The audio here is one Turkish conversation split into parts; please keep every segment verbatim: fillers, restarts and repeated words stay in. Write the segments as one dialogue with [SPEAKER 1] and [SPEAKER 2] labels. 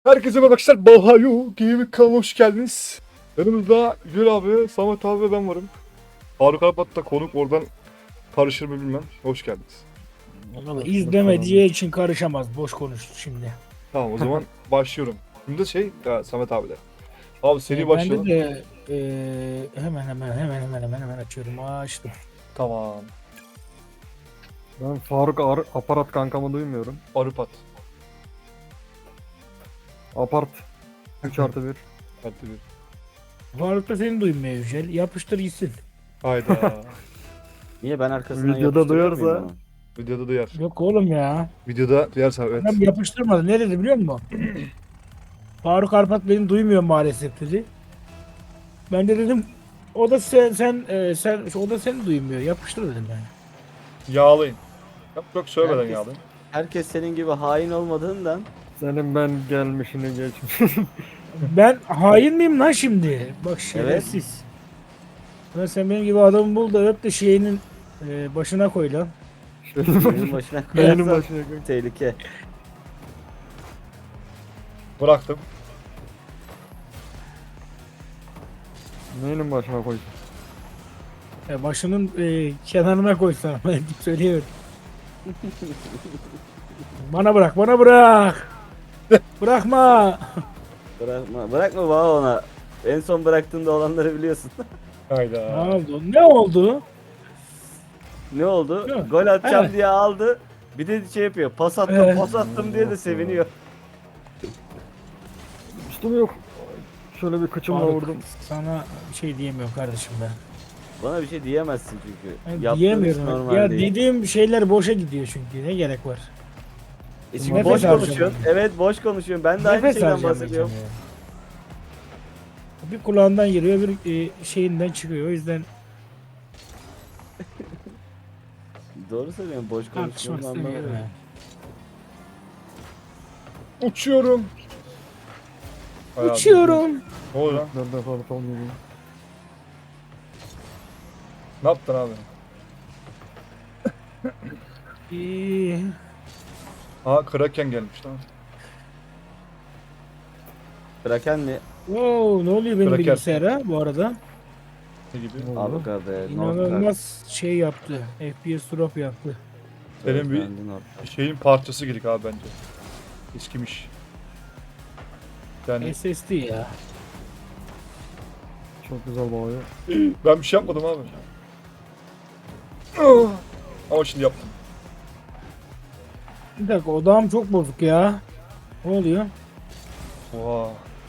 [SPEAKER 1] Herkese merhaba arkadaşlar. Bahayu Gaming kanalına hoş geldiniz. Yanımızda Gül abi, Samet abi ve ben varım. Faruk Alpat da konuk, oradan karışır mı bilmem. Hoş geldiniz.
[SPEAKER 2] Valla izlemediği için karışamaz. Boş konuştu şimdi.
[SPEAKER 1] Tamam, o zaman başlıyorum. Şimdi şey ya, Samet abi de. Abi seri
[SPEAKER 2] Ee,
[SPEAKER 1] başlayalım.
[SPEAKER 2] Ben de e, hemen hemen hemen hemen hemen hemen açıyorum. Açtım.
[SPEAKER 1] Tamam.
[SPEAKER 3] Ben Faruk Ar- aparat kankamı duymuyorum.
[SPEAKER 1] Arıpat.
[SPEAKER 3] Apart üç artı bir.
[SPEAKER 1] Hadi bir.
[SPEAKER 2] Faruk da seni duymuyor Yücel. Yapıştır gitsin.
[SPEAKER 1] Hayda.
[SPEAKER 4] Niye ben arkasından
[SPEAKER 3] Videoda
[SPEAKER 4] yapıştırıyor
[SPEAKER 3] duyarsa-
[SPEAKER 4] muyum onu?
[SPEAKER 1] Videoda duyar.
[SPEAKER 2] Yok oğlum ya.
[SPEAKER 1] Videoda duyarsa evet.
[SPEAKER 2] Adam yapıştırmadı. Ne dedi biliyor musun? Faruk Arpat beni duymuyor maalesef dedi. Ben de dedim o da sen sen e, sen o da seni duymuyor. Yapıştır dedim ben.
[SPEAKER 1] Yağlayın. Yok yok söylemeden
[SPEAKER 4] Herkes-
[SPEAKER 1] yağlayın.
[SPEAKER 4] Herkes senin gibi hain olmadığından
[SPEAKER 3] Senin ben gelmişini geçmişini.
[SPEAKER 2] Ben hain miyim lan şimdi? Bak şerefsiz. Lan sen benim gibi adamı bul da öp de şeyinin e, başına koy lan.
[SPEAKER 3] Şeyin
[SPEAKER 4] benim
[SPEAKER 3] başına,
[SPEAKER 4] başına
[SPEAKER 3] benim
[SPEAKER 4] koyarsan
[SPEAKER 3] başına koy.
[SPEAKER 4] tehlike.
[SPEAKER 1] Bıraktım.
[SPEAKER 3] Neyinin başına koy.
[SPEAKER 2] E, başının e, kenarına koy sana. Ben söylüyorum. Bana bırak, bana bırak. Bırakma.
[SPEAKER 4] Bırakma, bırakma bana ona. En son bıraktığında olanları biliyorsun.
[SPEAKER 2] Ne
[SPEAKER 1] Hayda.
[SPEAKER 2] oldu? Ne oldu?
[SPEAKER 4] Ne oldu?
[SPEAKER 2] Yok.
[SPEAKER 4] Gol atacağım
[SPEAKER 2] Evet.
[SPEAKER 4] diye aldı. Bir de şey yapıyor. Pas attım,
[SPEAKER 2] Evet.
[SPEAKER 4] pas attım diye de seviniyor.
[SPEAKER 3] Üstüm yok. Şöyle bir kıçımla
[SPEAKER 2] Faruk,
[SPEAKER 3] vurdum.
[SPEAKER 2] sana bir şey diyemiyorum kardeşim ben.
[SPEAKER 4] Bana bir şey diyemezsin çünkü.
[SPEAKER 2] Ben
[SPEAKER 4] Yaptığın iş
[SPEAKER 2] diyemiyorum.
[SPEAKER 4] normal
[SPEAKER 2] Ya
[SPEAKER 4] değil.
[SPEAKER 2] dediğim şeyler boşa gidiyor çünkü. Ne gerek var?
[SPEAKER 4] E şimdi
[SPEAKER 2] Nefes
[SPEAKER 4] boş
[SPEAKER 2] harcamayın.
[SPEAKER 4] konuşuyorsun. Evet boş konuşuyorsun. Ben de aynı
[SPEAKER 2] Nefes
[SPEAKER 4] şeyden
[SPEAKER 2] harcamayacağım
[SPEAKER 4] bahsediyorum.
[SPEAKER 2] ya. Bir kulağından giriyor, bir e, şeyinden çıkıyor. O yüzden
[SPEAKER 4] Doğru söylüyorsun. Boş
[SPEAKER 2] tartışmak
[SPEAKER 4] konuşuyorsun
[SPEAKER 2] istemiyorum.
[SPEAKER 4] anlamıyorum.
[SPEAKER 2] ya.
[SPEAKER 1] Uçuyorum. Hayatım.
[SPEAKER 2] Uçuyorum.
[SPEAKER 1] Ne oldu lan?
[SPEAKER 3] Nerede Faruk olmuyor.
[SPEAKER 1] Ne yaptın abi?
[SPEAKER 2] İyi.
[SPEAKER 1] Ha, Kraken gelmiş lan.
[SPEAKER 4] Kraken mi?
[SPEAKER 2] Wow, ne oluyor benim
[SPEAKER 1] Kraker.
[SPEAKER 2] bilgisayara bu arada?
[SPEAKER 1] Ne gibi?
[SPEAKER 3] Ne oldu?
[SPEAKER 4] Abi be.
[SPEAKER 2] İnanılmaz şey yaptı. F P S drop yaptı.
[SPEAKER 1] Senin bir şeyin parçası gidik abi bence. Eskimiş. Yani
[SPEAKER 2] S S D ya.
[SPEAKER 3] Çok güzel bağıyor.
[SPEAKER 1] ben bir şey yapmadım abi. Ah! Ama şimdi yaptım.
[SPEAKER 2] Bir dakika odağım çok bozuk ya. Ne oluyor?
[SPEAKER 1] Oha.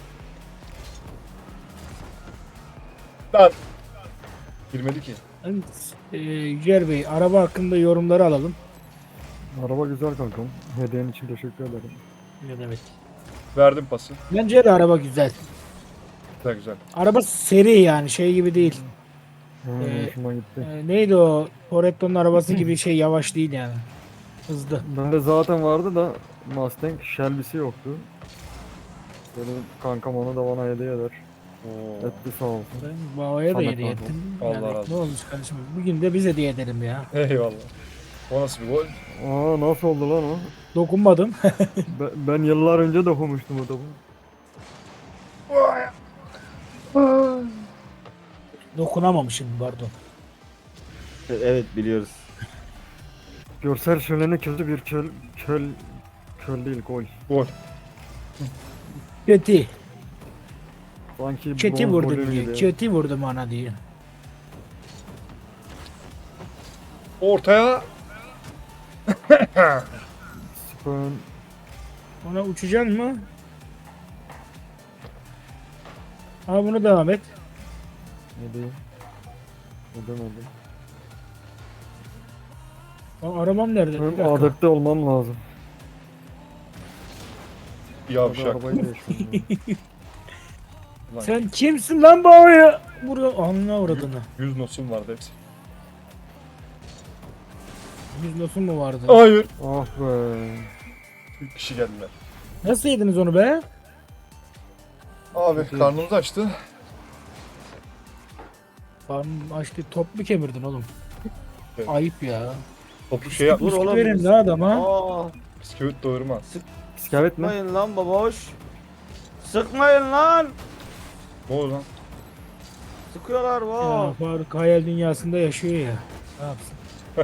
[SPEAKER 1] Lan. Girmedi ki.
[SPEAKER 2] Ee, Yücel Bey, araba hakkında yorumları alalım.
[SPEAKER 3] Araba güzel kankam. Hediyen için teşekkür ederim.
[SPEAKER 2] Ne demek?
[SPEAKER 1] Verdim pası.
[SPEAKER 2] Bence de araba güzel.
[SPEAKER 1] Güzel güzel.
[SPEAKER 2] Araba seri yani şey gibi değil.
[SPEAKER 3] Hmm,
[SPEAKER 2] Ee,
[SPEAKER 3] hoşuma gitti.
[SPEAKER 2] Ee, neydi o? Toretto'nun arabası gibi şey yavaş değil yani. Hızlı.
[SPEAKER 3] Bende zaten vardı da Mustang Shelby'si yoktu. Benim kankam onu da bana hediye eder. Etti sağ olsun.
[SPEAKER 2] Ben babaya da
[SPEAKER 3] Sana
[SPEAKER 2] hediye
[SPEAKER 3] kaldı.
[SPEAKER 2] ettim.
[SPEAKER 1] Allah
[SPEAKER 2] Yani
[SPEAKER 1] razı olsun.
[SPEAKER 2] ne olmuş kardeşim? Bugün de biz hediye edelim ya.
[SPEAKER 1] Eyvallah. O nasıl bir gol?
[SPEAKER 3] Aa nasıl oldu lan o?
[SPEAKER 2] Dokunmadım.
[SPEAKER 3] Ben, ben yıllar önce de okumuştum o topu.
[SPEAKER 2] Dokunamamışım pardon.
[SPEAKER 4] Evet biliyoruz.
[SPEAKER 3] Görsel şöleni kötü bir köl, köl, köl değil gol.
[SPEAKER 1] Gol.
[SPEAKER 2] Kötü.
[SPEAKER 3] Sanki
[SPEAKER 2] Kötü
[SPEAKER 3] bronz
[SPEAKER 2] vurdum
[SPEAKER 3] golü
[SPEAKER 2] diyor.
[SPEAKER 3] gibi.
[SPEAKER 2] Kötü vurdum ana diyor.
[SPEAKER 1] Ortaya.
[SPEAKER 3] Spön,
[SPEAKER 2] Ona uçacaksın mı? Ha bunu devam et.
[SPEAKER 3] ne diyeyim? Edemedim.
[SPEAKER 2] Aa, arabam nerede? Bir
[SPEAKER 3] Benim
[SPEAKER 2] dakika.
[SPEAKER 3] adapte olmam lazım. Hadi
[SPEAKER 1] Yavşak.
[SPEAKER 3] arabayı değiştirdim.
[SPEAKER 1] Lan,
[SPEAKER 2] Sen kimsin lan babaya? Burada anına uğradığını.
[SPEAKER 1] yüz nosum vardı hepsi.
[SPEAKER 2] Yüz nosum mu vardı?
[SPEAKER 1] Hayır.
[SPEAKER 3] Ah be.
[SPEAKER 1] Bir kişi geldiler.
[SPEAKER 2] Nasıl yediniz onu be?
[SPEAKER 1] Abi karnımız açtı.
[SPEAKER 2] Karnım açtı. Top mu kemirdin oğlum?
[SPEAKER 1] Evet.
[SPEAKER 2] Ayıp ya.
[SPEAKER 1] Topu şey yap.
[SPEAKER 4] Dur
[SPEAKER 2] Bisküvi
[SPEAKER 4] oğlum.
[SPEAKER 2] verin la adama.
[SPEAKER 4] Aa,
[SPEAKER 1] Bisküvit doyurmaz.
[SPEAKER 3] İskelet mi?
[SPEAKER 4] sıkmayın lan baboş. sıkmayın lan.
[SPEAKER 1] Ne oldu lan?
[SPEAKER 4] Sıkıyorlar
[SPEAKER 2] Ya
[SPEAKER 4] wow.
[SPEAKER 2] Faruk hayal dünyasında yaşıyor ya. Ne yapsın?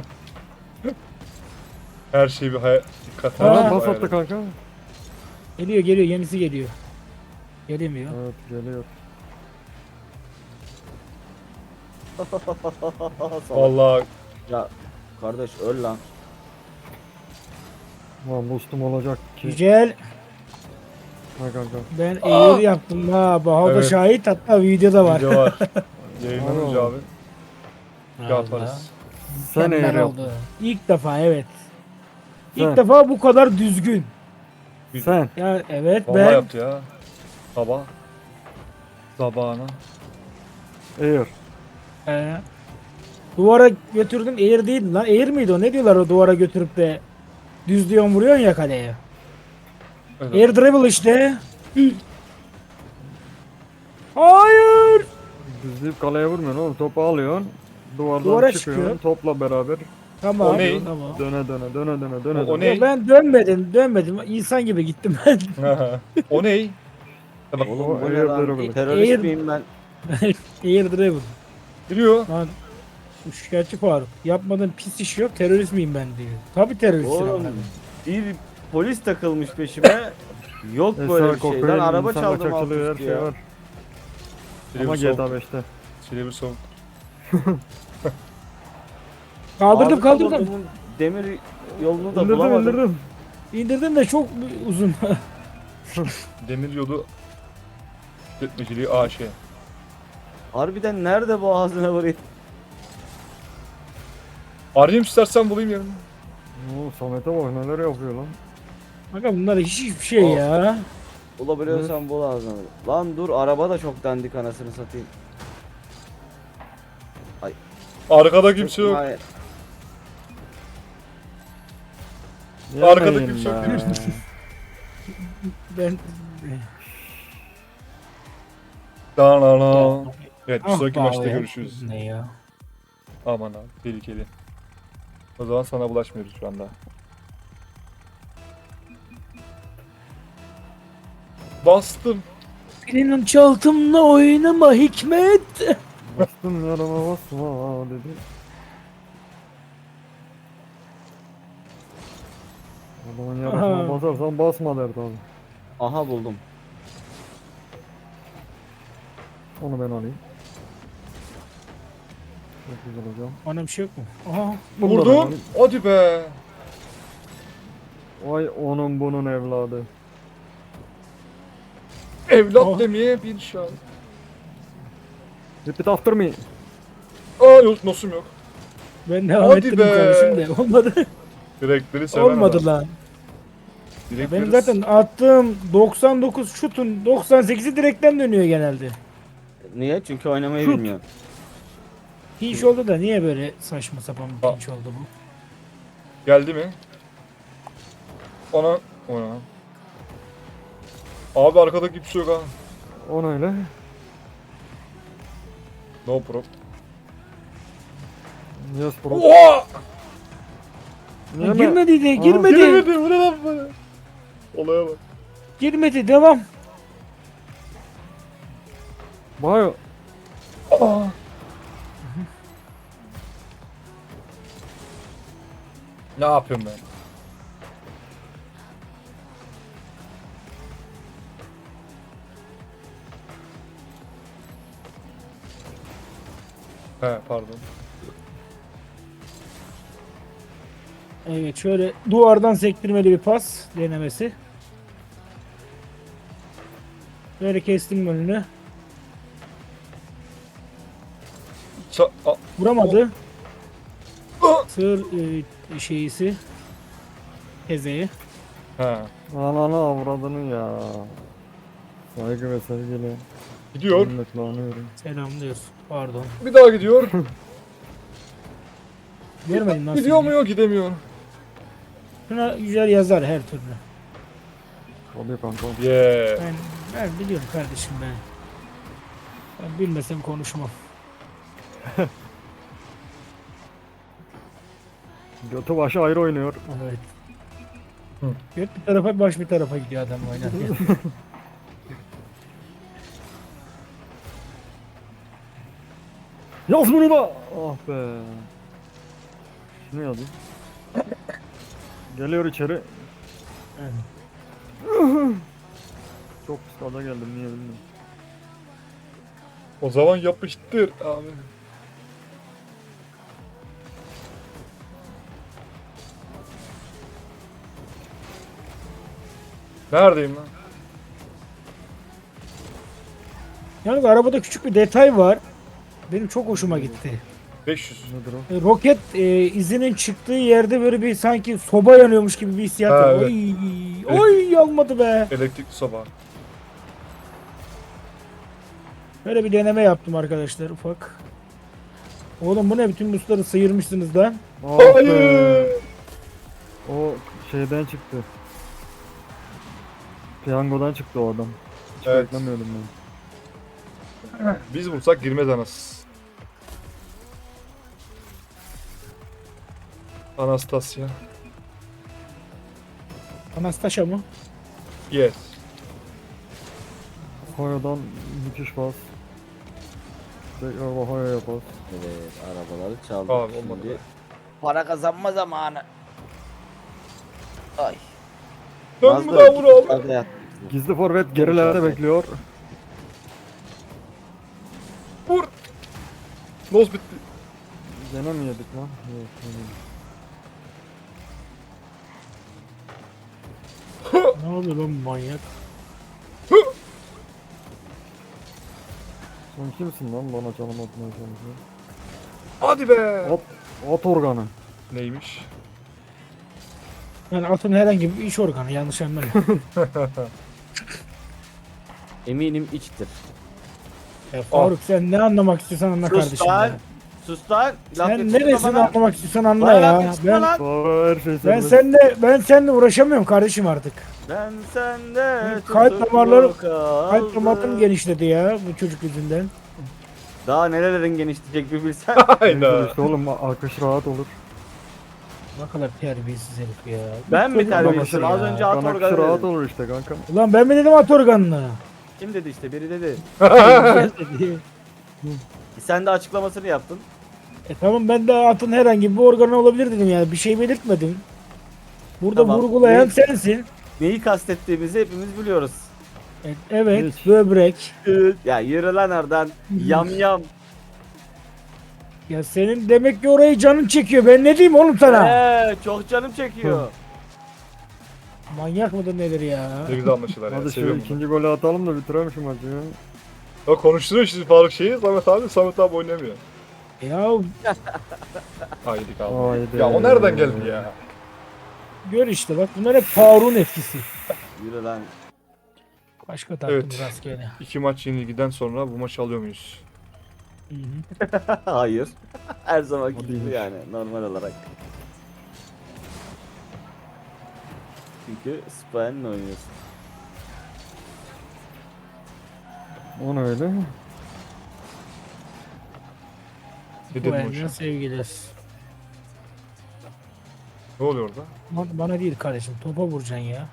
[SPEAKER 1] Her şey bir hayal. Dikkat
[SPEAKER 2] Aa,
[SPEAKER 3] Aa,
[SPEAKER 1] hayal
[SPEAKER 3] bas
[SPEAKER 1] et.
[SPEAKER 3] attı kanka.
[SPEAKER 2] Geliyor geliyor yenisi geliyor. Gelemiyor.
[SPEAKER 3] Evet geliyor.
[SPEAKER 1] Vallahi
[SPEAKER 4] Ya kardeş öl lan.
[SPEAKER 3] Lan boostum olacak ki.
[SPEAKER 2] Güzel.
[SPEAKER 3] Ha kanka.
[SPEAKER 2] Ben eğir yaptım ha. Baha da
[SPEAKER 1] Evet.
[SPEAKER 2] şahit, hatta videoda var.
[SPEAKER 1] video var. Yayınlanınca
[SPEAKER 3] Vallahi.
[SPEAKER 1] abi yaparız.
[SPEAKER 3] Sen
[SPEAKER 2] Mükemmel
[SPEAKER 3] eğer
[SPEAKER 2] oldu.
[SPEAKER 3] yaptın.
[SPEAKER 2] İlk defa evet. İlk
[SPEAKER 3] Sen.
[SPEAKER 2] defa bu kadar düzgün.
[SPEAKER 3] Sen.
[SPEAKER 2] Ya evet
[SPEAKER 1] Vallahi
[SPEAKER 2] ben
[SPEAKER 1] yaptı ya. Sabah. Sabahına.
[SPEAKER 3] Eğer.
[SPEAKER 2] e, duvara götürdüm. Eğir değil lan. Eğir miydi o? Ne diyorlar o duvara götürüp de düzlüyorsun vuruyorsun ya kaleye.
[SPEAKER 1] Evet.
[SPEAKER 2] Air dribble işte. Hayır.
[SPEAKER 3] Düzleyip kaleye vurmuyorsun oğlum. Topu alıyorsun. Duvardan
[SPEAKER 2] Duvara
[SPEAKER 3] çıkıyorsun.
[SPEAKER 2] çıkıyor.
[SPEAKER 3] Topla beraber.
[SPEAKER 2] Tamam.
[SPEAKER 1] O ne?
[SPEAKER 2] Tamam.
[SPEAKER 3] Döne döne döne döne döne
[SPEAKER 1] O- o
[SPEAKER 3] döne.
[SPEAKER 1] ne?
[SPEAKER 2] Ya ben dönmedim, dönmedim. İnsan gibi gittim ben.
[SPEAKER 1] O ney? Ya bak
[SPEAKER 4] Oğlum bu
[SPEAKER 3] O
[SPEAKER 4] ne
[SPEAKER 3] air
[SPEAKER 4] lan?
[SPEAKER 3] dribble.
[SPEAKER 4] Terörist
[SPEAKER 2] Air-
[SPEAKER 4] miyim ben?
[SPEAKER 2] Air dribble.
[SPEAKER 1] giriyor.
[SPEAKER 2] Lan şu şikayetçi Faruk. Yapmadığım pis iş yok. Terörist miyim ben diyor. Tabii teröristim.
[SPEAKER 4] Oğlum bir polis takılmış peşime. Yok böyle
[SPEAKER 3] Eser
[SPEAKER 4] bir şey. Lan
[SPEAKER 3] kokain,
[SPEAKER 4] araba
[SPEAKER 3] insan
[SPEAKER 4] çaldım alt
[SPEAKER 3] kaçakçılığı, her
[SPEAKER 4] üstü
[SPEAKER 3] şey
[SPEAKER 4] ya.
[SPEAKER 3] var.
[SPEAKER 1] Silivri
[SPEAKER 3] Ama G T A
[SPEAKER 1] soğuk.
[SPEAKER 3] beşte.
[SPEAKER 1] Silivri soğuk.
[SPEAKER 2] Kaldırdım
[SPEAKER 4] Abi
[SPEAKER 2] kaldırdım.
[SPEAKER 4] adamın demir yolunu da
[SPEAKER 3] İndirdim
[SPEAKER 4] bulamadım.
[SPEAKER 3] indirdim.
[SPEAKER 2] İndirdim de çok uzun.
[SPEAKER 1] Demir yolu işletmeciliği A Ş.
[SPEAKER 4] Harbiden nerede bu ağzına vurayım?
[SPEAKER 1] Arayayım istersen bulayım yarın.
[SPEAKER 3] Oo, Samet'e bak neler yapıyor lan.
[SPEAKER 2] Bakın bunlar hiç hiçbir şey
[SPEAKER 4] Oh.
[SPEAKER 2] ya.
[SPEAKER 4] Bulabiliyorsan bul ağzına vurayım. Lan dur araba da çok dandik anasını satayım.
[SPEAKER 1] Arkada kimse yok.
[SPEAKER 4] Hayır.
[SPEAKER 1] Arkada
[SPEAKER 3] Yemeyin
[SPEAKER 1] kimse yok
[SPEAKER 3] be.
[SPEAKER 1] değil mi?
[SPEAKER 2] Ben
[SPEAKER 1] Da la la. Evet bir
[SPEAKER 2] Ah
[SPEAKER 1] sonraki
[SPEAKER 2] be
[SPEAKER 1] maçta
[SPEAKER 2] abi.
[SPEAKER 1] görüşürüz.
[SPEAKER 2] Ne ya?
[SPEAKER 1] Aman abi tehlikeli. O zaman sana bulaşmıyoruz şu anda. Bastım.
[SPEAKER 2] Benim çaltımla oynama Hikmet.
[SPEAKER 3] Bastım yarama basma dedi. Adamın yarasına
[SPEAKER 2] Aha.
[SPEAKER 3] basarsan basma derdi abi.
[SPEAKER 4] Aha buldum.
[SPEAKER 3] Onu ben alayım. Çok güzel hocam.
[SPEAKER 2] Bana bir şey yok mu? Aha.
[SPEAKER 3] Bunu da ben
[SPEAKER 1] Vurdum.
[SPEAKER 3] alayım.
[SPEAKER 1] Hadi be.
[SPEAKER 3] Vay onun bunun evladı.
[SPEAKER 1] Evlat
[SPEAKER 2] Oh.
[SPEAKER 1] demeye bir şan.
[SPEAKER 3] Repeat after me.
[SPEAKER 1] Aa yok nosum yok.
[SPEAKER 2] Ben devam
[SPEAKER 1] Hadi
[SPEAKER 2] ettim
[SPEAKER 1] be.
[SPEAKER 2] kardeşim de olmadı.
[SPEAKER 1] Direkleri seven
[SPEAKER 2] Olmadı
[SPEAKER 1] adam.
[SPEAKER 2] lan.
[SPEAKER 1] Direkleri
[SPEAKER 2] Benim zaten attığım doksan dokuz şutun doksan sekizi direkten dönüyor genelde.
[SPEAKER 4] Niye? Çünkü oynamayı
[SPEAKER 2] Şut.
[SPEAKER 4] bilmiyorum.
[SPEAKER 2] Hiç oldu da niye böyle saçma sapan bir
[SPEAKER 1] Aa.
[SPEAKER 2] pinç oldu bu?
[SPEAKER 1] geldi mi? Ona ona. Abi arkada kimse yok ha.
[SPEAKER 3] O öyle.
[SPEAKER 1] No problem.
[SPEAKER 3] Yes bro.
[SPEAKER 1] Oha!
[SPEAKER 3] Yeme.
[SPEAKER 2] Girmedi de
[SPEAKER 3] Aa,
[SPEAKER 2] girmedi.
[SPEAKER 1] Giremedi. Bu ne lan böyle? Olaya bak.
[SPEAKER 2] Girmedi devam.
[SPEAKER 3] Bayo.
[SPEAKER 1] Aa. Ne yapıyorum ben? He pardon.
[SPEAKER 2] Evet şöyle duvardan sektirmeli bir pas denemesi. Böyle kestim önünü.
[SPEAKER 1] Ça A-
[SPEAKER 2] Vuramadı.
[SPEAKER 1] Ah!
[SPEAKER 2] Sığır e, şeyisi. Tezeyi.
[SPEAKER 1] He.
[SPEAKER 3] Ananı avradını ya. Saygı ve sevgiyle.
[SPEAKER 1] Gidiyor.
[SPEAKER 3] Minnetle anıyorum.
[SPEAKER 2] Selamlıyoruz. Pardon.
[SPEAKER 1] Bir daha gidiyor.
[SPEAKER 2] Görmedim nasıl.
[SPEAKER 1] Gidiyor mu yok gidemiyor.
[SPEAKER 2] Şuna güzel yazar her türlü.
[SPEAKER 3] Tabii kanka.
[SPEAKER 1] Yeah.
[SPEAKER 2] Ben, ben biliyorum kardeşim ben. Ben bilmesem konuşmam.
[SPEAKER 3] Götü başı ayrı oynuyor.
[SPEAKER 2] Evet.
[SPEAKER 1] Hı.
[SPEAKER 2] Göt bir tarafa baş bir tarafa gidiyor adam oynarken.
[SPEAKER 3] Yaz bunu da. Ah be. Şunu yazayım. Geliyor içeri. Çok pis gaza geldim niye bilmiyorum.
[SPEAKER 1] O zaman yapıştır abi. Neredeyim lan?
[SPEAKER 2] Yalnız arabada küçük bir detay var. Benim çok hoşuma gitti.
[SPEAKER 1] beş yüz.
[SPEAKER 3] Nedir o?
[SPEAKER 2] E, Roket e, izinin çıktığı yerde böyle bir sanki soba yanıyormuş gibi bir hissiyat
[SPEAKER 1] Ha,
[SPEAKER 2] var.
[SPEAKER 1] evet.
[SPEAKER 2] Oy, oy yanmadı be.
[SPEAKER 1] Elektrikli soba.
[SPEAKER 2] Böyle bir deneme yaptım arkadaşlar ufak. Oğlum bu ne, bütün busları sıyırmışsınız lan.
[SPEAKER 3] Ah be.
[SPEAKER 1] Hayır.
[SPEAKER 3] O şeyden çıktı. Piyangodan çıktı o adam. Hiç
[SPEAKER 1] Evet.
[SPEAKER 3] beklemiyordum ben.
[SPEAKER 1] Biz vursak girmez anas. Anastasia.
[SPEAKER 2] Anastasia mı?
[SPEAKER 1] Yes.
[SPEAKER 3] Hoya'dan müthiş bas. Tekrar Hoya yapar.
[SPEAKER 4] Evet, arabaları çaldık.
[SPEAKER 1] Abi, olmadı
[SPEAKER 4] Şimdi
[SPEAKER 1] be.
[SPEAKER 4] para kazanma zamanı. Ay.
[SPEAKER 1] Dön
[SPEAKER 4] Mazda
[SPEAKER 1] bu da vur abi.
[SPEAKER 4] yukarıda yat.
[SPEAKER 3] Gizli forvet gerilerde
[SPEAKER 4] Konuşalım.
[SPEAKER 3] bekliyor.
[SPEAKER 1] Vur. Nos bitti.
[SPEAKER 3] Gene mi yedik lan? Yok, yemedik.
[SPEAKER 2] Ne oluyor lan bu manyak?
[SPEAKER 3] Sen kimsin lan bana canım atmaya çalışıyor?
[SPEAKER 1] Hadi be.
[SPEAKER 3] At, at organı.
[SPEAKER 1] Neymiş?
[SPEAKER 2] Yani atın herhangi bir iş organı, yanlış anlamayın.
[SPEAKER 4] Eminim içtir.
[SPEAKER 2] Ya Faruk sen ne anlamak istiyorsan anla
[SPEAKER 4] Sus
[SPEAKER 2] kardeşim
[SPEAKER 4] lan.
[SPEAKER 2] ya.
[SPEAKER 4] Sus lan. Laf
[SPEAKER 2] Sen
[SPEAKER 4] yetiştirme
[SPEAKER 2] neresini
[SPEAKER 4] bana.
[SPEAKER 2] anlamak istiyorsan anla
[SPEAKER 4] Bana laf
[SPEAKER 2] ya.
[SPEAKER 4] yetiştirme
[SPEAKER 2] Ben
[SPEAKER 4] lan.
[SPEAKER 3] Aa, her şey
[SPEAKER 2] ben
[SPEAKER 3] serbest.
[SPEAKER 2] seninle ben seninle uğraşamıyorum kardeşim artık.
[SPEAKER 4] Ben sende
[SPEAKER 2] Kalp
[SPEAKER 4] tutuklu
[SPEAKER 2] damarları-
[SPEAKER 4] kaldım.
[SPEAKER 2] Kalp damarım genişledi ya bu çocuk yüzünden.
[SPEAKER 4] Daha nerelerin genişleyecek bir bilsen.
[SPEAKER 3] Neyse
[SPEAKER 1] Hayda.
[SPEAKER 3] işte oğlum akış rahat olur.
[SPEAKER 2] Ne kadar terbiyesiz herif ya.
[SPEAKER 4] Ben mi
[SPEAKER 2] Çocuk
[SPEAKER 4] terbiyesizim?
[SPEAKER 2] babası
[SPEAKER 4] Az
[SPEAKER 2] ya.
[SPEAKER 4] önce at
[SPEAKER 3] Kan akışı
[SPEAKER 4] organı
[SPEAKER 3] rahat
[SPEAKER 4] dedim.
[SPEAKER 3] olur işte kankam.
[SPEAKER 2] Ulan ben mi dedim at organını?
[SPEAKER 4] Kim dedi işte biri dedi.
[SPEAKER 2] Dedi.
[SPEAKER 4] Sen de açıklamasını yaptın.
[SPEAKER 2] E tamam, ben de atın herhangi bir organı olabilir dedim yani, bir şey belirtmedim. Burada
[SPEAKER 4] Tamam.
[SPEAKER 2] vurgulayan
[SPEAKER 4] Ne-
[SPEAKER 2] sensin.
[SPEAKER 4] Neyi kastettiğimizi hepimiz biliyoruz.
[SPEAKER 2] E, evet,
[SPEAKER 3] Hiç.
[SPEAKER 2] böbrek.
[SPEAKER 4] Ya yürü lan oradan. Yam yam.
[SPEAKER 2] Ya senin demek ki orayı canın çekiyor. Ben ne diyeyim oğlum sana?
[SPEAKER 4] Eee çok canım çekiyor.
[SPEAKER 2] Manyak mıdır nedir ya?
[SPEAKER 1] Ne güzel anlaşılar ya.
[SPEAKER 3] Hadi şu
[SPEAKER 1] Seviyorum bunu.
[SPEAKER 3] ikinci golü atalım da bitirelim şu maçı ya.
[SPEAKER 1] Ya konuşturuyor şimdi Faruk şeyi. Samet abi. Samet abi oynamıyor.
[SPEAKER 2] Ya
[SPEAKER 1] Haydi abi.
[SPEAKER 3] Haydi.
[SPEAKER 1] Ya o nereden geldi ya?
[SPEAKER 2] gör işte bak, bunlar hep Faruk'un etkisi.
[SPEAKER 4] Yürü lan.
[SPEAKER 2] Başka taktım
[SPEAKER 1] Evet.
[SPEAKER 2] rastgele.
[SPEAKER 1] İki maç yenilgiden sonra bu maçı alıyor muyuz?
[SPEAKER 2] Hı hı.
[SPEAKER 4] Hayır. Her zaman
[SPEAKER 3] O
[SPEAKER 4] gibi
[SPEAKER 3] değilmiş.
[SPEAKER 4] yani normal olarak. Çünkü Spain'le oynuyorsun.
[SPEAKER 3] O ne öyle?
[SPEAKER 1] Ne
[SPEAKER 2] Bu
[SPEAKER 1] dedim o
[SPEAKER 2] elden
[SPEAKER 1] işe?
[SPEAKER 2] sevgiler.
[SPEAKER 1] Ne oluyor orada?
[SPEAKER 2] Bana, bana değil kardeşim, topa vuracaksın ya.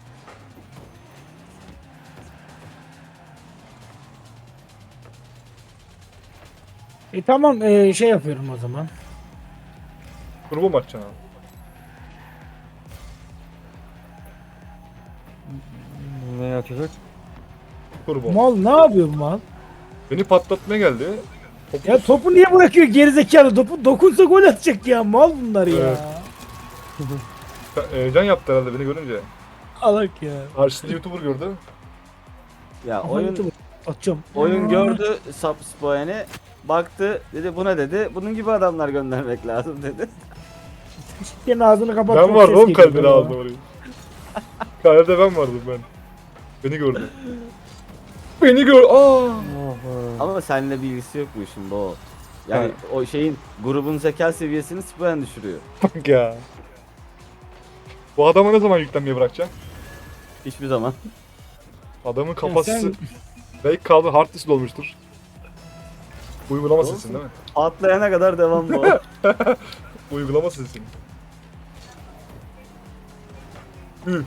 [SPEAKER 2] E tamam, e, şey yapıyorum o zaman.
[SPEAKER 1] Turbo maç canım.
[SPEAKER 3] Ne açacak?
[SPEAKER 1] Turbo.
[SPEAKER 2] Mal ne yapıyor bu mal?
[SPEAKER 1] Beni patlatmaya geldi. Topu
[SPEAKER 2] Ya topu niye bırakıyor gerizekalı? Topu dokunsa gol atacak ya. Mal bunlar ya.
[SPEAKER 1] Evet. heyecan yaptı herhalde beni görünce.
[SPEAKER 2] Alak ya.
[SPEAKER 1] Karşısında YouTuber gördü.
[SPEAKER 4] Ya
[SPEAKER 2] Aha,
[SPEAKER 4] oyun
[SPEAKER 2] YouTube'u atacağım.
[SPEAKER 4] oyun gördü Sap Spain'i. Baktı dedi buna dedi. Bunun gibi adamlar göndermek lazım dedi.
[SPEAKER 2] Senin ağzını kapat.
[SPEAKER 1] Ben
[SPEAKER 2] çok
[SPEAKER 1] vardım
[SPEAKER 2] ses
[SPEAKER 1] oğlum
[SPEAKER 2] geliyor
[SPEAKER 1] kalbine
[SPEAKER 2] ya.
[SPEAKER 1] aldı orayı. Kalede ben vardım ben. Beni gördü. Beni gör. Aa.
[SPEAKER 3] Oh be.
[SPEAKER 4] Ama seninle bir ilgisi yok bu işin bu. Yani o şeyin grubun zeka seviyesini Spain düşürüyor.
[SPEAKER 1] Bak ya. Bu adama ne zaman yüklenmeyi bırakacağım?
[SPEAKER 4] Hiçbir zaman.
[SPEAKER 1] Adamın
[SPEAKER 2] Ya
[SPEAKER 1] kafası
[SPEAKER 2] sen-
[SPEAKER 1] belki kaldı hard disk dolmuştur. Uygulama
[SPEAKER 4] Olsun.
[SPEAKER 1] sesin değil mi?
[SPEAKER 4] Atlayana kadar devam bu.
[SPEAKER 1] Uygulama sesin. Üh.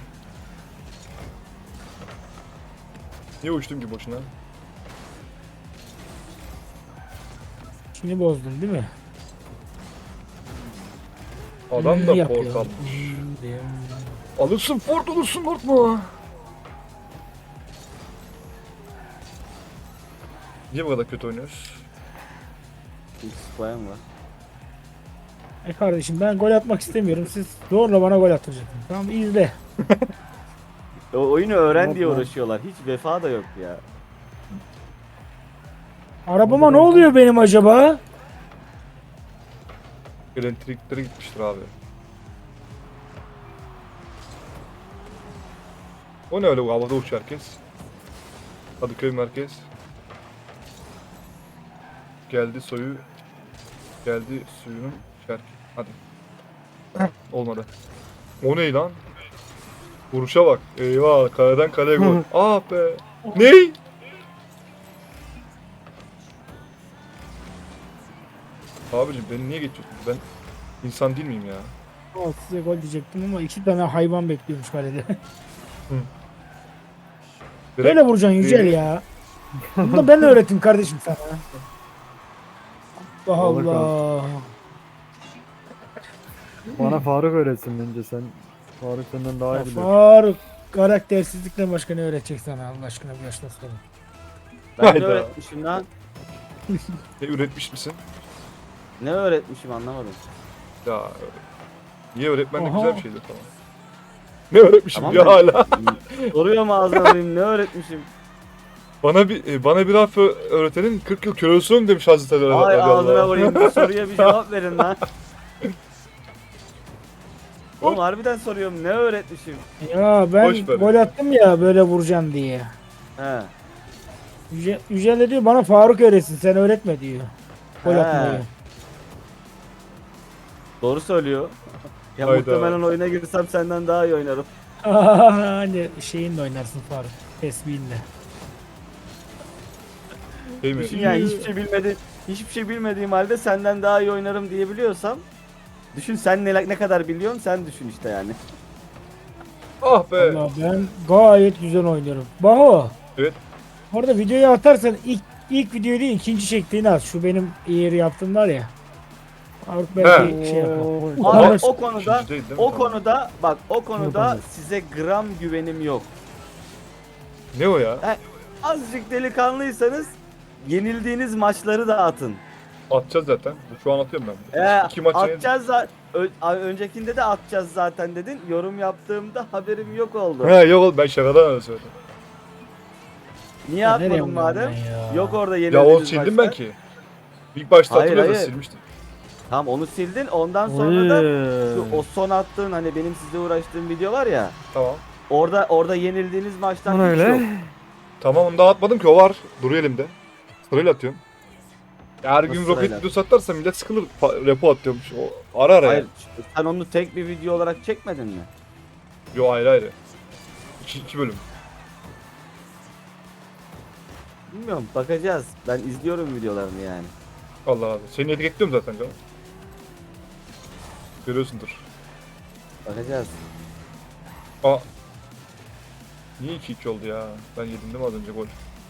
[SPEAKER 1] Niye uçtum ki boşuna?
[SPEAKER 2] İşini bozdun değil mi?
[SPEAKER 1] Adam da
[SPEAKER 2] Hmm, yapıyor.
[SPEAKER 1] portal.
[SPEAKER 2] Hmm, diyor.
[SPEAKER 1] Alırsın Ford olursun Ford mu? Niye bu kadar kötü oynuyoruz?
[SPEAKER 4] İlk spoyam var.
[SPEAKER 2] E kardeşim ben gol atmak istemiyorum. Siz zorla bana gol attıracaksınız. Tamam izle.
[SPEAKER 4] O oyunu öğren diye
[SPEAKER 3] Yapma.
[SPEAKER 4] uğraşıyorlar. Hiç vefa da yok ya.
[SPEAKER 2] Arabama ne oluyor benim acaba?
[SPEAKER 1] Elektrikleri gitmiştir abi. O ne öyle bu havada uçuyor herkes? Kadıköy merkez. Geldi soyu. Geldi suyunun şarkı. Hadi. Olmadı. O ne lan? Vuruşa bak. Eyvah kaleden kaleye gol. Ah be. Ney? Abicim beni niye geçiyorsun? Ben insan değil miyim ya?
[SPEAKER 2] Al size gol diyecektim ama iki tane hayvan bekliyormuş kalede.
[SPEAKER 1] Direkt
[SPEAKER 2] Böyle vuracaksın Yücel
[SPEAKER 1] Değil.
[SPEAKER 2] ya. Bunu da ben öğrettim kardeşim sana. Allah
[SPEAKER 3] Vallahi
[SPEAKER 2] Allah.
[SPEAKER 3] Bana Faruk öğretsin bence sen. Faruk senden daha
[SPEAKER 2] Ya
[SPEAKER 3] iyi bilir.
[SPEAKER 2] Faruk karaktersizlikle başka ne öğretecek sana Allah aşkına bu yaştan sonra.
[SPEAKER 4] Ben ne
[SPEAKER 1] Hayda.
[SPEAKER 4] öğretmişim lan?
[SPEAKER 1] Ne üretmiş misin?
[SPEAKER 4] Ne öğretmişim anlamadım.
[SPEAKER 1] Ya niye öğretmenlik
[SPEAKER 2] Aha.
[SPEAKER 1] güzel bir şeydir falan. Ne öğretmişim
[SPEAKER 4] Tamam
[SPEAKER 1] ya
[SPEAKER 4] da-
[SPEAKER 1] hala.
[SPEAKER 4] Soruyorum ağzına alayım ne öğretmişim?
[SPEAKER 1] Bana bir e, bana bir harf ö- öğretenin kırk yıl köle olsun demiş Hazreti Ali.
[SPEAKER 4] Ay
[SPEAKER 1] radıyallahu
[SPEAKER 4] ağzına
[SPEAKER 1] anh.
[SPEAKER 4] vurayım bu soruya bir cevap verin lan. Oğlum harbiden soruyorum ne öğretmişim?
[SPEAKER 2] Ya ben
[SPEAKER 1] Boş ver.
[SPEAKER 2] gol attım ya böyle vuracaksın diye.
[SPEAKER 4] He.
[SPEAKER 2] Yüce, Yücel de diyor bana Faruk öğretsin sen öğretme diyor. Gol
[SPEAKER 4] He.
[SPEAKER 2] atmayı.
[SPEAKER 4] Doğru söylüyor. Ya
[SPEAKER 1] Hayda.
[SPEAKER 4] muhtemelen oyuna girsem senden daha iyi oynarım.
[SPEAKER 2] Hani şeyinle oynarsın Faruk. Tesbihinle.
[SPEAKER 1] Değil mi?
[SPEAKER 4] Düşün yani hiçbir şey bilmedi, hiçbir şey bilmediğim halde senden daha iyi oynarım diyebiliyorsam düşün sen ne, ne kadar biliyorsun sen düşün işte yani.
[SPEAKER 1] Ah be.
[SPEAKER 2] Allah ben gayet güzel oynuyorum. Baho.
[SPEAKER 1] Evet.
[SPEAKER 2] Bu arada videoyu atarsan ilk ilk videoyu değil ikinci çektiğini at. Şu benim yeri yaptım var ya. Faruk belki
[SPEAKER 1] He.
[SPEAKER 2] şey yapar.
[SPEAKER 3] Oo,
[SPEAKER 4] Abi
[SPEAKER 2] Ama-
[SPEAKER 4] o konuda
[SPEAKER 1] İkinci değil, değil mi?
[SPEAKER 4] o
[SPEAKER 1] Tamam.
[SPEAKER 4] konuda bak o konuda
[SPEAKER 2] Yapamaz.
[SPEAKER 4] size gram güvenim yok.
[SPEAKER 1] Ne o ya?
[SPEAKER 4] Azıcık delikanlıysanız yenildiğiniz maçları da atın.
[SPEAKER 1] Atacağız zaten. Şu an atıyorum ben.
[SPEAKER 4] Ee,
[SPEAKER 1] İki maçı
[SPEAKER 4] atacağız za- Ö- a- öncekinde de atacağız zaten dedin. Yorum yaptığımda haberim yok oldu.
[SPEAKER 1] He yok oğlum ben şakadan öyle söyledim.
[SPEAKER 4] Niye
[SPEAKER 2] Ya nereye
[SPEAKER 4] atmadın madem?
[SPEAKER 2] oynuyorum ben ya?
[SPEAKER 4] Yok orada
[SPEAKER 1] Ya
[SPEAKER 4] yenildiğiniz
[SPEAKER 1] onu sildim
[SPEAKER 4] maçlar.
[SPEAKER 1] ben ki. İlk başta
[SPEAKER 4] Hayır,
[SPEAKER 1] hatırlıyorsan
[SPEAKER 4] hayır.
[SPEAKER 1] silmiştim.
[SPEAKER 4] Tamam onu sildin. Ondan sonra da şu,
[SPEAKER 3] Oy.
[SPEAKER 4] o son attığın hani benim sizle uğraştığım video var ya.
[SPEAKER 1] Tamam.
[SPEAKER 4] Orada orada yenildiğiniz maçtan
[SPEAKER 3] Lan
[SPEAKER 4] hiç
[SPEAKER 3] öyle.
[SPEAKER 4] yok.
[SPEAKER 1] Tamam onu daha atmadım ki o var. Duruyor elimde. Sırayla atıyorum. Ya her gün
[SPEAKER 4] Nasıl
[SPEAKER 1] roket
[SPEAKER 4] sırayla?
[SPEAKER 1] videosu atarsa millet sıkılır. Pa- repo atıyormuş. O ara ara
[SPEAKER 4] Hayır.
[SPEAKER 1] yani.
[SPEAKER 4] Sen onu tek bir video olarak çekmedin mi?
[SPEAKER 1] Yo ayrı ayrı. İki, iki bölüm.
[SPEAKER 4] Bilmiyorum. Bakacağız. Ben izliyorum videolarını yani.
[SPEAKER 1] Allah Allah. Seni etiketliyorum zaten canım. Görüyorsundur.
[SPEAKER 4] Bakacağız.
[SPEAKER 1] Aa. Niye iki iki oldu ya? Ben yedim değil mi az önce gol?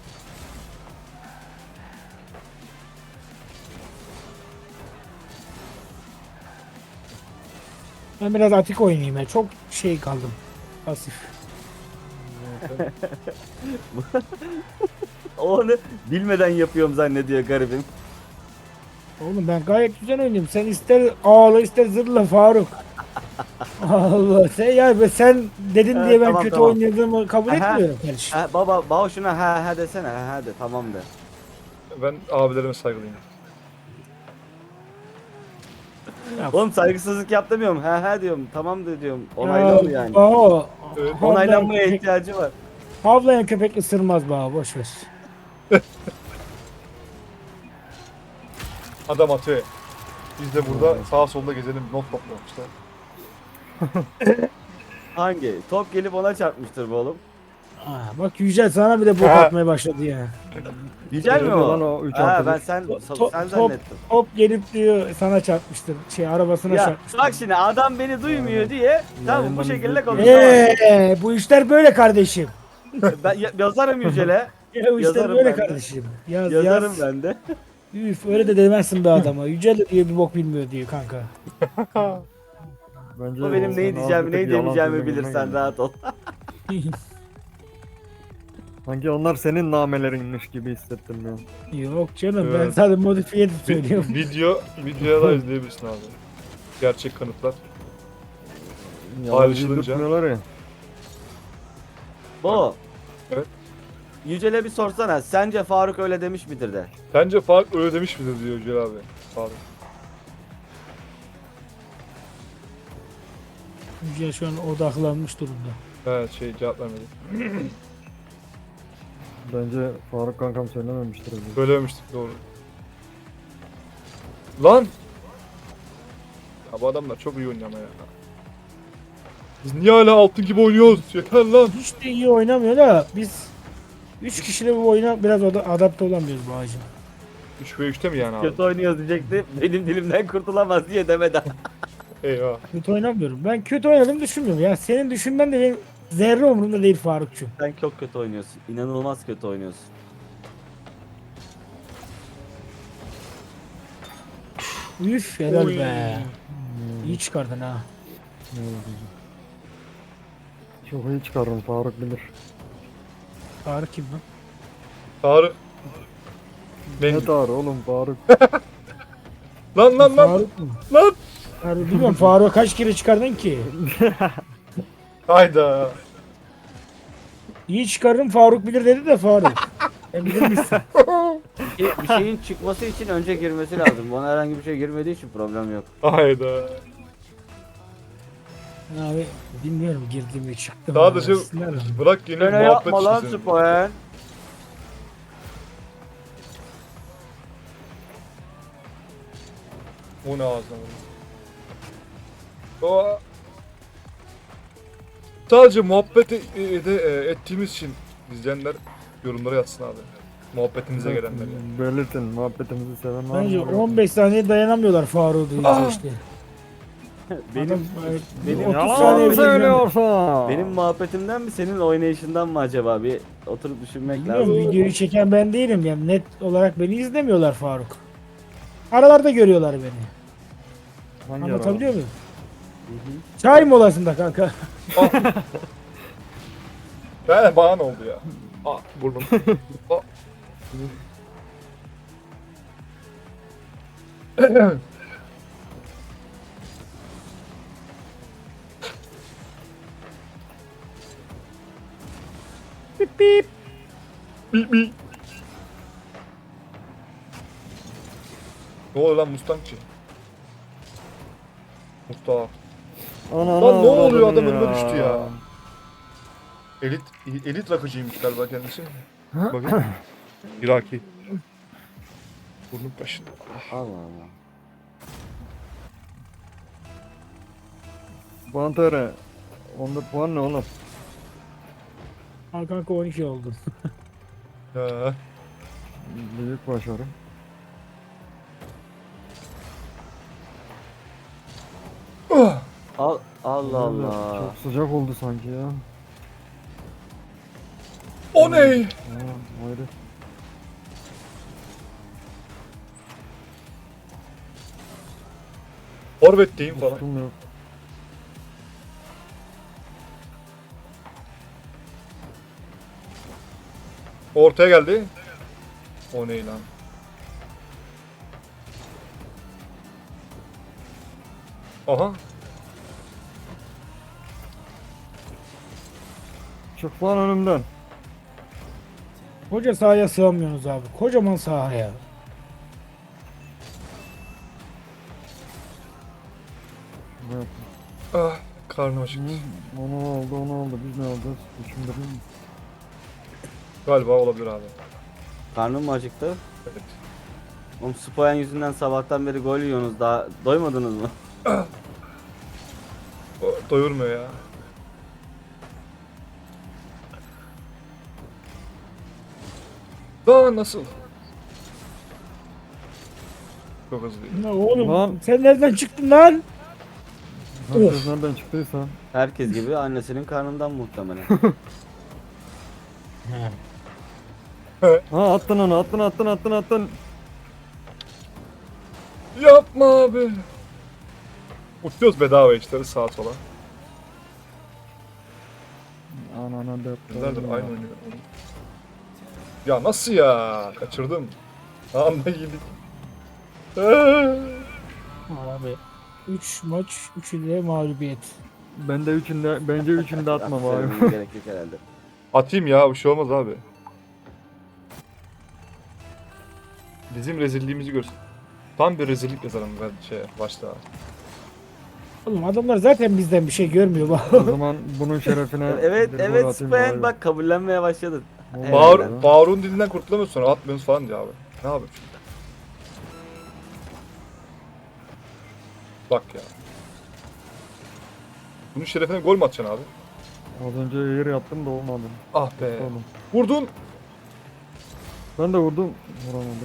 [SPEAKER 2] Ben biraz atik oynayayım ya. Çok şey kaldım. Pasif.
[SPEAKER 4] Onu bilmeden yapıyorum zannediyor garibim.
[SPEAKER 2] Oğlum ben gayet güzel oynuyorum. Sen ister ağla ister zırla Faruk. Allah sen ya be sen dedin
[SPEAKER 4] Evet,
[SPEAKER 2] diye ben
[SPEAKER 4] tamam,
[SPEAKER 2] kötü
[SPEAKER 4] tamam.
[SPEAKER 2] oynadığımı kabul
[SPEAKER 4] Aha.
[SPEAKER 2] etmiyorum kardeşim.
[SPEAKER 4] Ha, baba baba şuna ha ha desene ha ha de tamam de.
[SPEAKER 1] Ben abilerime saygılıyım.
[SPEAKER 2] Ya,
[SPEAKER 4] Oğlum saygısızlık yap demiyorum. Ha ha diyorum. Tamam da diyorum. Onaylı ol yani.
[SPEAKER 2] Baho,
[SPEAKER 1] Evet.
[SPEAKER 2] havlayan
[SPEAKER 4] Onaylanmaya
[SPEAKER 2] köpek-
[SPEAKER 4] ihtiyacı var.
[SPEAKER 2] Havlayan köpek ısırmaz Baho boş ver.
[SPEAKER 1] Adam atıyor. Biz de burada sağa solda gezelim. Not toplamışlar.
[SPEAKER 4] Hangi? Top gelip ona çarpmıştır bu oğlum.
[SPEAKER 2] Aa, bak Yücel sana bir de bok
[SPEAKER 1] Ha.
[SPEAKER 2] atmaya başladı ya.
[SPEAKER 4] Güzel mi
[SPEAKER 3] Öyle lan
[SPEAKER 4] o?
[SPEAKER 3] o üç
[SPEAKER 4] Ha
[SPEAKER 3] artı
[SPEAKER 4] ben
[SPEAKER 3] bir.
[SPEAKER 4] sen
[SPEAKER 2] Top-
[SPEAKER 4] sen
[SPEAKER 2] top-
[SPEAKER 4] zannettim.
[SPEAKER 2] Hop gelip diyor sana çarpmıştır. Şey arabasına
[SPEAKER 4] Ya
[SPEAKER 2] çarpmıştır.
[SPEAKER 4] bak şimdi adam beni duymuyor diye tamam bu
[SPEAKER 3] Yayından
[SPEAKER 4] şekilde
[SPEAKER 3] izleyip-
[SPEAKER 4] konuşamam.
[SPEAKER 2] Eee bu işler böyle kardeşim.
[SPEAKER 4] Ben ya- yazarım Yücel'e.
[SPEAKER 2] Ya bu işler
[SPEAKER 4] Yazarım
[SPEAKER 2] böyle
[SPEAKER 4] ben de.
[SPEAKER 2] kardeşim. Yaz
[SPEAKER 4] Yazarım
[SPEAKER 2] yaz.
[SPEAKER 4] ben de.
[SPEAKER 2] Üf öyle de demezsin be adama. Yücel de diyor bir bok bilmiyor diyor kanka.
[SPEAKER 3] Bence
[SPEAKER 4] O benim
[SPEAKER 3] sen
[SPEAKER 4] neyi
[SPEAKER 3] az
[SPEAKER 4] diyeceğimi
[SPEAKER 3] bir
[SPEAKER 4] neyi
[SPEAKER 3] tık yalan
[SPEAKER 4] demeyeceğimi
[SPEAKER 3] söylüyorsun
[SPEAKER 4] bilir, sen
[SPEAKER 3] yani.
[SPEAKER 4] rahat ol.
[SPEAKER 3] Sanki onlar senin namelerinmiş gibi hissettim ya.
[SPEAKER 2] Yok canım ben
[SPEAKER 1] Evet.
[SPEAKER 2] sadece modifiye
[SPEAKER 1] Vi-
[SPEAKER 2] söylüyorum.
[SPEAKER 1] video videoya da izleyebilirsin abi. Gerçek kanıtlar.
[SPEAKER 3] Yalan
[SPEAKER 1] Ayrışılınca.
[SPEAKER 3] tutmuyorlar ya.
[SPEAKER 4] Bu.
[SPEAKER 1] Evet.
[SPEAKER 4] Yücel'e bir sorsana. Sence Faruk öyle demiş midir de?
[SPEAKER 1] Bence Faruk öyle demiş midir diyor Yücel abi. Faruk.
[SPEAKER 2] Yücel şu an odaklanmış durumda.
[SPEAKER 1] Evet şey cevap vermedi.
[SPEAKER 3] Bence Faruk kankam söylememiştir. öyle.
[SPEAKER 1] Söylememiştik doğru. Lan! Ya bu adamlar çok iyi oynuyor ama ya. Biz niye hala altın gibi oynuyoruz? Yeter lan.
[SPEAKER 2] Hiç de iyi oynamıyor da biz üç kişiyle bu oyuna biraz oda- adapte olamıyoruz bu ağacın.
[SPEAKER 1] üç ve üçte mi yani abi?
[SPEAKER 4] Kötü oynuyoruz diyecekti. Benim dilimden kurtulamaz diye demeden.
[SPEAKER 1] Eyvah.
[SPEAKER 2] Kötü oynamıyorum. Ben kötü oynadığımı düşünmüyorum. Ya senin düşünmen de benim zerre umurumda değil Farukçum.
[SPEAKER 4] Sen çok kötü oynuyorsun. İnanılmaz kötü oynuyorsun.
[SPEAKER 2] Üf helal
[SPEAKER 1] Oy.
[SPEAKER 2] be.
[SPEAKER 3] Hmm,
[SPEAKER 2] İyi çıkardın ha.
[SPEAKER 3] ne oldu? Çok iyi çıkarım, Faruk bilir.
[SPEAKER 2] Faruk kim lan?
[SPEAKER 1] Tarık.
[SPEAKER 3] Ne
[SPEAKER 1] Ben...
[SPEAKER 3] tarı oğlum Faruk?
[SPEAKER 1] Lan lan lan
[SPEAKER 2] Faruk mu?
[SPEAKER 1] lan.
[SPEAKER 2] Faruk bilmiyorum Faruk'a kaç kere çıkardın ki?
[SPEAKER 1] Hayda.
[SPEAKER 2] İyi çıkarırım Faruk bilir dedi de Faruk. Sen bilir misin?
[SPEAKER 4] Bir bir şeyin çıkması için önce girmesi lazım. Bana herhangi bir şey girmediği için problem yok.
[SPEAKER 1] Hayda.
[SPEAKER 2] Abi bilmiyorum girdim mi çıktım.
[SPEAKER 1] Daha
[SPEAKER 2] mı,
[SPEAKER 1] dışı
[SPEAKER 2] arasınlar mı?
[SPEAKER 1] bırak yeni
[SPEAKER 4] Öyle
[SPEAKER 1] muhabbet
[SPEAKER 4] yapma lan
[SPEAKER 1] işi senin.
[SPEAKER 4] Spoen.
[SPEAKER 1] O ne ağzına vurdu. O... Sadece muhabbet e- e- de, e, ettiğimiz için izleyenler yorumlara yazsın abi. Muhabbetimize gelenler yani.
[SPEAKER 3] Belirtin, muhabbetimizi seven var
[SPEAKER 2] Bence
[SPEAKER 3] mı?
[SPEAKER 2] on beş saniye dayanamıyorlar Faruk'u duyunca
[SPEAKER 1] Aa!
[SPEAKER 2] işte.
[SPEAKER 4] Benim
[SPEAKER 2] Adam, e,
[SPEAKER 4] benim-
[SPEAKER 2] otuz
[SPEAKER 3] Yalan
[SPEAKER 2] saniye
[SPEAKER 3] mı
[SPEAKER 2] bile
[SPEAKER 3] söylüyorsun?
[SPEAKER 4] benim muhabbetimden mi senin oynayışından mı acaba? Bir oturup düşünmek
[SPEAKER 2] Bilmiyorum,
[SPEAKER 4] lazım.
[SPEAKER 2] videoyu çeken ben değilim yani net olarak beni izlemiyorlar Faruk. Aralarda görüyorlar beni.
[SPEAKER 3] Hangi
[SPEAKER 2] Anlatabiliyor muyum?
[SPEAKER 4] Hı hı.
[SPEAKER 2] Çay molasında kanka.
[SPEAKER 1] Ben bana ne oldu ya? Aa burnum. Aa.
[SPEAKER 2] Bip bip.
[SPEAKER 1] Bip bip. Ne oluyor lan Mustangçı? Mustafa.
[SPEAKER 3] Ana,
[SPEAKER 1] Lan ne
[SPEAKER 3] ana,
[SPEAKER 1] oluyor,
[SPEAKER 3] ana
[SPEAKER 1] adam
[SPEAKER 3] ya.
[SPEAKER 1] önüme düştü ya. Elit elit rakıcıymış galiba kendisi. Bakın. Iraki. Burnum kaşındı.
[SPEAKER 4] Allah Allah.
[SPEAKER 3] Pantere. Onda puan ne oğlum?
[SPEAKER 2] Al kanka on iki oldun.
[SPEAKER 1] Ha.
[SPEAKER 3] Büyük başarı.
[SPEAKER 1] Ah!
[SPEAKER 4] Al, Allah
[SPEAKER 3] Böyle
[SPEAKER 4] Allah.
[SPEAKER 3] Çok sıcak oldu sanki ya.
[SPEAKER 1] O ne?
[SPEAKER 3] Aa, ayrı.
[SPEAKER 1] Forvetteyim falan.
[SPEAKER 3] Ustum yok.
[SPEAKER 1] Ortaya geldi. O ne lan? Aha.
[SPEAKER 3] Çık lan önümden.
[SPEAKER 2] Koca sahaya sığamıyorsunuz abi. Kocaman sahaya.
[SPEAKER 3] Evet.
[SPEAKER 1] Ah, karnım acıktı.
[SPEAKER 3] Hı, Onu oldu, onu oldu. Biz ne olacağız? Düşündürüm mü?
[SPEAKER 1] Galiba olabilir abi.
[SPEAKER 4] Karnım mı acıktı?
[SPEAKER 1] Evet.
[SPEAKER 4] Oğlum Spoen yüzünden sabahtan beri gol yiyorsunuz. Daha doymadınız mı?
[SPEAKER 1] O doyurmuyor ya. Daha nasıl? Çok hızlı.
[SPEAKER 2] Ne oğlum
[SPEAKER 3] Lan.
[SPEAKER 2] sen nereden çıktın lan?
[SPEAKER 3] Herkes nereden çıktıysa.
[SPEAKER 4] Herkes gibi annesinin karnından muhtemelen.
[SPEAKER 3] Ha attın onu, attın, attın, attın, attın.
[SPEAKER 1] Yapma abi. Uçuyoruz bedava işte sağa sola.
[SPEAKER 3] Anana dert.
[SPEAKER 1] Nereden aynı oynuyor. Ya nasıl ya? Kaçırdım. Anda yedik.
[SPEAKER 2] Abi üç maç üçünde mağlubiyet.
[SPEAKER 3] Ben de üçünde, bence üçünde atmam abi.
[SPEAKER 4] Söylemeye gerek yok herhalde.
[SPEAKER 1] Atayım ya bir şey olmaz abi. Bizim rezilliğimizi görsün. Tam bir rezillik yazarım ben şey başta.
[SPEAKER 2] Oğlum adamlar zaten bizden bir şey görmüyor bak.
[SPEAKER 3] O zaman bunun şerefine
[SPEAKER 4] Evet
[SPEAKER 3] bir gol
[SPEAKER 4] evet
[SPEAKER 3] atayım
[SPEAKER 4] Spen
[SPEAKER 3] bari.
[SPEAKER 4] bak kabullenmeye başladın.
[SPEAKER 3] Vallahi
[SPEAKER 1] Bağır,
[SPEAKER 3] ya.
[SPEAKER 1] Bağır'ın dilinden kurtulamıyorsun sonra atmıyorsun falan diyor abi. Ne yapayım şimdi? Bak ya. Bunun şerefine gol mü atacaksın abi?
[SPEAKER 3] Az önce yer yaptım da olmadı.
[SPEAKER 1] Ah be.
[SPEAKER 3] Oğlum.
[SPEAKER 1] Vurdun.
[SPEAKER 3] Ben de vurdum. Vuramadım.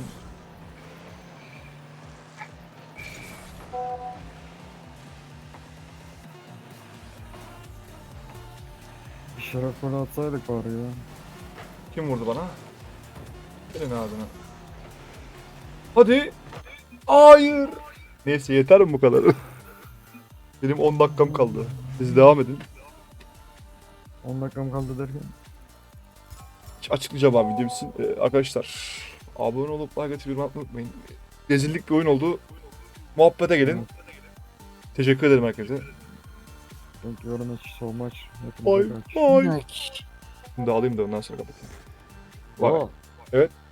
[SPEAKER 3] Bir şeref golü atsaydık bari ya.
[SPEAKER 1] Kim vurdu bana? Senin ağzına. Hadi. Hayır. Neyse yeter mi bu kadar? Benim on dakikam kaldı. Siz devam edin.
[SPEAKER 3] on dakikam kaldı derken.
[SPEAKER 1] Açıklayacağım abi videom için. Ee, arkadaşlar abone olup like atıp yorum atmayı unutmayın. Rezillik bir oyun oldu. Muhabbete gelin. Teşekkür ederim herkese.
[SPEAKER 3] Thank you very much so much.
[SPEAKER 1] Ay
[SPEAKER 3] Hepinize kaç.
[SPEAKER 1] ay. Şimdi alayım da ondan sonra kapatayım. Bak.
[SPEAKER 4] Oo.
[SPEAKER 1] Evet.